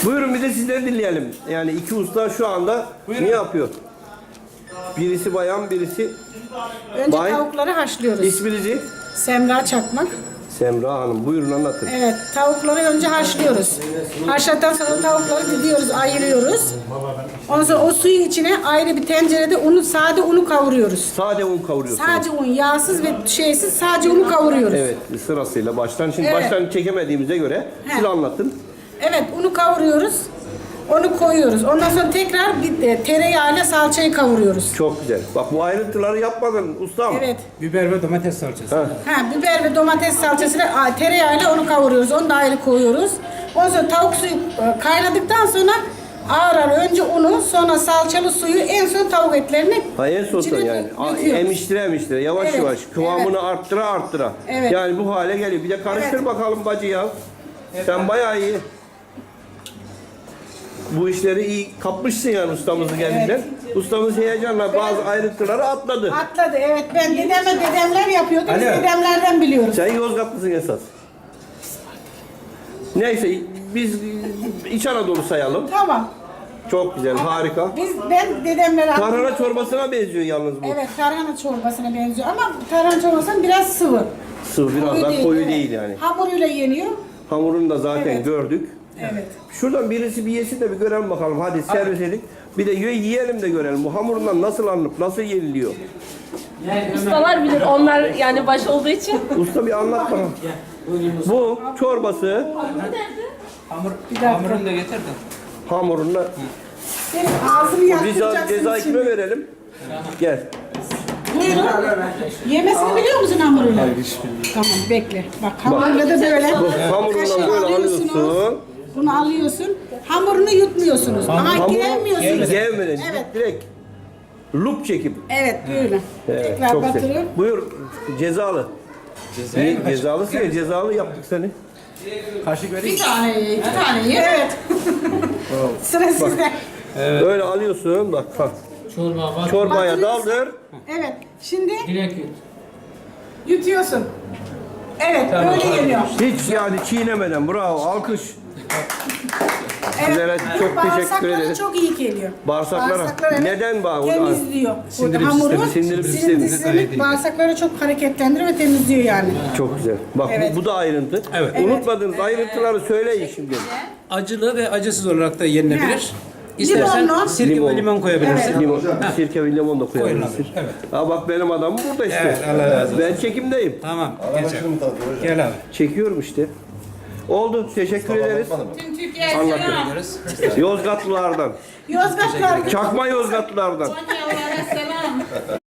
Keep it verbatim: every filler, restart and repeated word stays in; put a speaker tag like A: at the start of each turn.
A: Buyurun bir de sizden dinleyelim. Yani iki usta şu anda
B: Buyurun.
A: ne yapıyor? Birisi bayan, birisi
C: Önce
A: bay.
C: tavukları haşlıyoruz.
A: İsminizi?
C: Semra Çakmak.
A: Semra Hanım. Buyurun anlatın.
C: Evet, tavukları önce haşlıyoruz. Haşladıktan sonra tavukları didiyoruz, ayırıyoruz. Ondan sonra o suyun içine ayrı bir tencerede unu, sade unu kavuruyoruz.
A: Sade un kavuruyorsunuz.
C: Sadece un, yağsız ve şeysiz sadece unu kavuruyoruz.
A: Evet, sırasıyla baştan. Şimdi
C: Evet.
A: baştan çekemediğimize göre
C: He.
A: siz anlatın.
C: Evet, unu kavuruyoruz. Onu koyuyoruz. Ondan sonra tekrar bir e, tereyağıyla salçayı kavuruyoruz.
A: Çok güzel. Bak bu ayrıntıları yapmadın ustam.
C: Evet.
B: Biber ve domates salçası.
A: Ha.
C: Ha, biber ve domates salçasıyla a, tereyağıyla onu kavuruyoruz. Onu da ayrı koyuyoruz. Ondan sonra tavuk suyu e, kaynadıktan sonra ağır ağır önce unu, sonra salçalı suyu, en son tavuk etlerini
A: Ha, en sonunda
C: içine
A: yani. A-
C: döküyoruz.
A: Emiştire emiştire yavaş
C: Evet,
A: yavaş kıvamını
C: evet.
A: arttıra arttıra.
C: Evet.
A: Yani bu hale geliyor. Bir de karıştır
C: Evet.
A: bakalım bacı ya. Sen bayağı iyi. Bu işleri iyi kapmışsın yani ustamızı geldiğinden. Ustamız heyecanla bazı ayrıntıları atladı.
C: Atladı, evet. Ben dedemle dedemler yapıyordu. Biz
B: Alo.
C: dedemlerden biliyoruz.
A: Sen Yozgatlısın esas. Neyse biz İç Anadolu sayalım.
C: Tamam.
A: Çok güzel, harika.
C: Biz, ben dedemlere
A: Tarhana çorbasına benziyor yalnız bu.
C: Evet, tarhana çorbasına benziyor ama tarhana çorbası biraz sıvı.
A: Sıvı biraz daha koyu
C: evet.
A: değil yani.
C: Hamuruyla yeniyor.
A: Hamurunu da zaten
C: Evet.
A: gördük.
C: Evet.
A: Şuradan birisi bir yesin de bir görelim bakalım. Hadi servis edin. Bir de yiyelim de görelim. Bu hamurundan nasıl alınıp nasıl yeniliyor?
D: Ustalar bilir. Onlar yani baş olduğu için.
A: Usta bir anlat bana. Bu çorbası
B: Hamur, hamurunu da getir de.
A: hamurunda
C: Senin ağzını
A: ceza,
C: yaktıracaksın
A: ceza
C: şimdi.
A: kime verelim? Gel.
C: Buyurun. Yemesini biliyor musun hamuruyla? Hayır, hiç bilmiyorum. Tamam, bekle. Bak hamuruyla da böyle.
A: Bu hamurundan
C: Kaşığı
A: böyle
C: alıyorsunuz.
A: alıyorsun.
C: Bunu alıyorsun. Hamurunu yutmuyorsunuz. Ama
A: Hamuru
C: giremiyorsunuz.
A: gelmeden
C: Evet.
A: direkt lup çekip.
C: Evet, böyle.
A: Evet,
C: Tekrar
A: çok güzel.
C: batırıyor.
A: Buyur cezalı. Niye cezalısın ya? Cezalı yaptık seni.
B: Kaşık vereyim.
C: Bir tane ye, iki tane ye. Evet. Sıra sizde.
A: Böyle alıyorsun bak. Ha.
E: Çorba var.
A: Çorbaya
C: Batırıyorsun.
A: daldır.
C: Evet. Şimdi
E: Direkt yut.
C: yutuyorsun. Evet, böyle geliyor.
A: Hiç yani çiğnemeden. Bravo. Alkış. Sizlere çok teşekkür
C: Bağırsaklara
A: ederiz.
C: çok iyi geliyor.
A: Bağırsaklara.
C: Bağırsaklara
A: Neden bağ-
C: temizliyor.
B: Sindirim
C: Hamuru,
B: sistemi,
A: sindirim
C: sindirim
A: sistemi.
C: sistemi bağırsakları çok hareketlendiriyor ve temizliyor yani.
A: Çok güzel. Bak bu-
C: Evet.
A: bu, da ayrıntı.
B: Evet.
A: Unutmadığınız ayrıntıları söyleyin şimdi.
B: Acılı ve acısız olarak da yenilebilir. İstersen
C: Limonlu.
B: sirke
A: Limon.
B: ve limon koyabilirsin.
A: Limon, sirke ve limon da koyabilirsin.
B: Koyulabilir, evet.
A: Ha bak benim adamım burada işte.
B: Evet, Allah razı olsun.
A: Ben çekimdeyim.
B: Tamam. Gel, gel abi.
A: Çekiyorum işte. Oldu. Teşekkür ederiz.
C: Tüm Türkiye'ye
A: Anlatın.
C: selam.
B: Görürüz.
A: Yozgatlılardan.
C: Yozgat kargı.
A: Çakma Yozgatlılardan.
C: Konya'lara selam.